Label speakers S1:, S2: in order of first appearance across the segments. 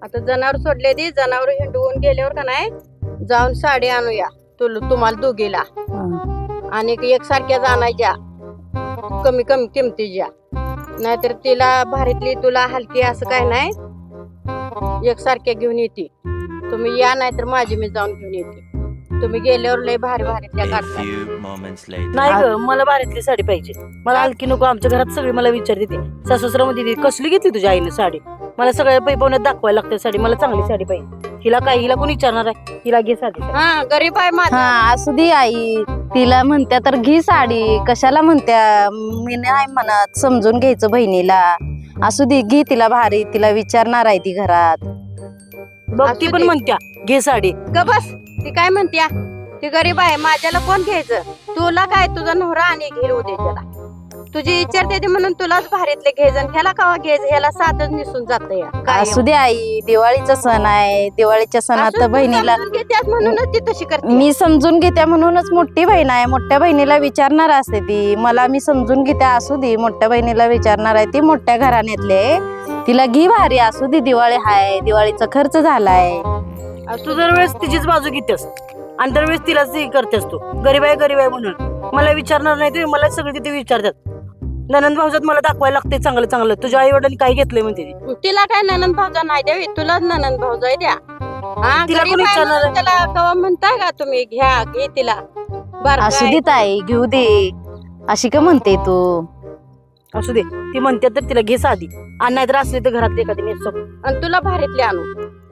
S1: आता जनावर सोडले ती जनावर हिंडवून गेल्यावर का नाही जाऊन साडी आणूया तुम्हाला दोघीला आणि एकसारख्या आणायच्या कमी कमी किमतीच्या नाहीतर तिला भारीतली तुला हलकी असं काय नाही एकसारख्या घेऊन येते तुम्ही या नाहीतर माझी मी जाऊन घेऊन येते तुम्ही गेल्यावर लय भारी भारीतल्या काढता
S2: नाही ग मला भारीतली साडी पाहिजे मला हलकी नको आमच्या घरात सगळी मला विचारते ते सासूसरा मध्ये कसली घेतली तुझ्या आईने साडी मला सगळ्या पैपवण्यात दाखवायला लागते साडी मला चांगली साडी पाहिजे हिला काय हिला कोण विचारणार आहे हिला घे साडी
S1: हा गरीब आहे माझा
S3: हा असू दे आई तिला म्हणत्या तर घे साडी कशाला म्हणत्या मी नाही म्हणत समजून घ्यायचं बहिणीला असू दे घे तिला भारी तिला विचारणार आहे ती घरात
S2: बघ ती पण म्हणत्या घे साडी
S1: ग बस ती काय म्हणत्या ती गरीब आहे माझ्याला कोण घ्यायचं तुला काय तुझा नवरा आणि घेईल उद्या त्याला तुझी विचारते ते म्हणून तुलाच भारीतले घ्यायचं ह्याला कावा घ्यायचं ह्याला साधच निसून जात
S3: असू दे आई दिवाळीचा सण आहे दिवाळीच्या सणात बहिणीला
S1: म्हणूनच ती तशी करते
S3: मी समजून घेत्या म्हणूनच मोठी बहीण आहे मोठ्या बहिणीला विचारणार असते ती मला मी समजून घेत्या असू दे मोठ्या बहिणीला विचारणार आहे ती मोठ्या घराण्यातले तिला घे भारी असू दे दिवाळी हाय दिवाळीचा खर्च झालाय
S2: तू दरवेळेस तिचीच बाजू घेतेस आणि दरवेळेस तिलाच करतेस तू गरीब आहे म्हणून मला विचारणार नाही तुम्ही मला सगळे तिथे विचारतात ननंद भाऊजात मला दाखवायला लागते चांगलं चांगलं तुझ्या आई वडिलांनी काय घेतलंय म्हणते
S1: तिला काय ननंद भाऊजा नाही द्यावी तुलाच ननंद भाऊजा द्या हा
S2: तिला
S1: गरीब
S2: कोण
S1: आहे
S2: विचारणार
S1: म्हणून त्याला कवा म्हणताय का तुम्ही घ्या घे तिला
S3: असू दे ताई घेऊ दे अशी का म्हणते तू
S2: असू दे ती म्हणते तर तिला घे साधी आणि नाहीतर असली तर घरात एखादी नेसो
S1: आणि तुला भारीतले आणू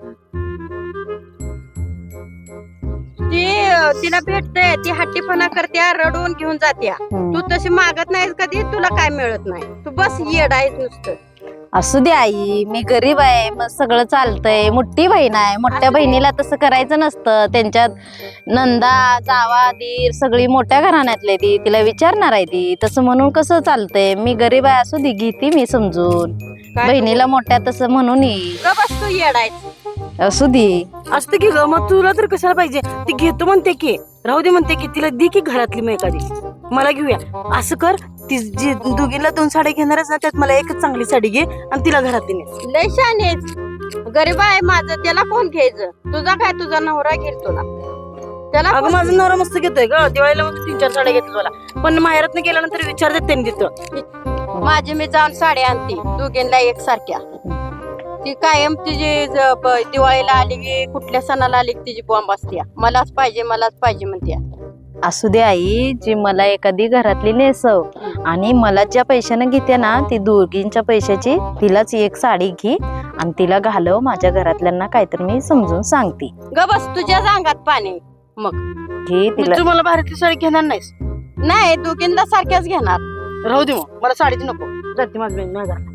S1: ती तिला भेटते ती हट्टीपणा करत्या रडून घेऊन जात्या तू तशी मागत नाहीस कधी तुला काय मिळत नाही तू बस येड आहेस नुसतं
S3: असू दे आई मी गरीब आहे मग सगळं चालतंय मोठी बहीण आहे मोठ्या बहिणीला तसं करायचं नसतं त्यांच्यात नंदा जावा दीर सगळी मोठ्या घराण्यातले ती तिला विचारणार आहे ती तसं म्हणून कसं चालतंय मी गरीब आहे असू दे घेते मी समजून बहिणीला मोठ्या तसं म्हणून
S1: ग बस तू येड आहेस
S3: असू दे
S2: असतं की ग मग तुला तर कशाला पाहिजे ती घेतो म्हणते की राहू दे म्हणते की तिला दे की घरातली मग एखादी मला घेऊया असं कर ती जी दोघीला 2 साड्या घेणारच ना त्यात मला एकच चांगली साडी घे आणि तिला घरातली नेस
S1: लय शानेच गरीब आहे माझं त्याला कोण घ्यायचं तुझा काय तुझा नवरा घेईल तुला त्याला
S2: अगं माझा नवरा मस्त घेतोय ग दिवाळीला मग 3-4 साड्या घेतल्या मला पण माहेरात गेल्यानंतर विचारतात त्यांनी तिथं
S1: माझी मी जाऊन साड्या आणते दोघींना एकसारख्या ती कायम तिची दिवाळीला आली की कुठल्या सणाला आली की तिची बॉम्ब असते मलाच पाहिजे म्हणते
S3: असू दे आई जी मला एखादी घरातली नेसव आणि मला ज्या पैशाने घेते ना ती दोघींच्या पैशाची तिलाच एक साडी घे आणि तिला घालव माझ्या घरातल्यांना काहीतरी मी समजून सांगते
S1: ग बस तुझ्या अंगात पाणी मग
S3: घे तिला
S2: तू मला भारीतली साडी घेणार नाहीस
S1: नाही दोघींना सारख्याच घेणार
S2: राहू दे मग मला साडीच नको जाते माझी बहीण नाही घरात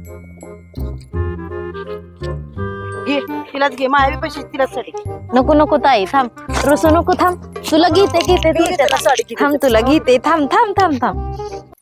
S2: घे तिलाच घे माझ्या पैसे तिलाच साडी
S3: नको नको ताई थांब रुसू नको थांब तुला घेते
S2: साडी
S3: थांब तुला घेते थांब थांब थांब थांब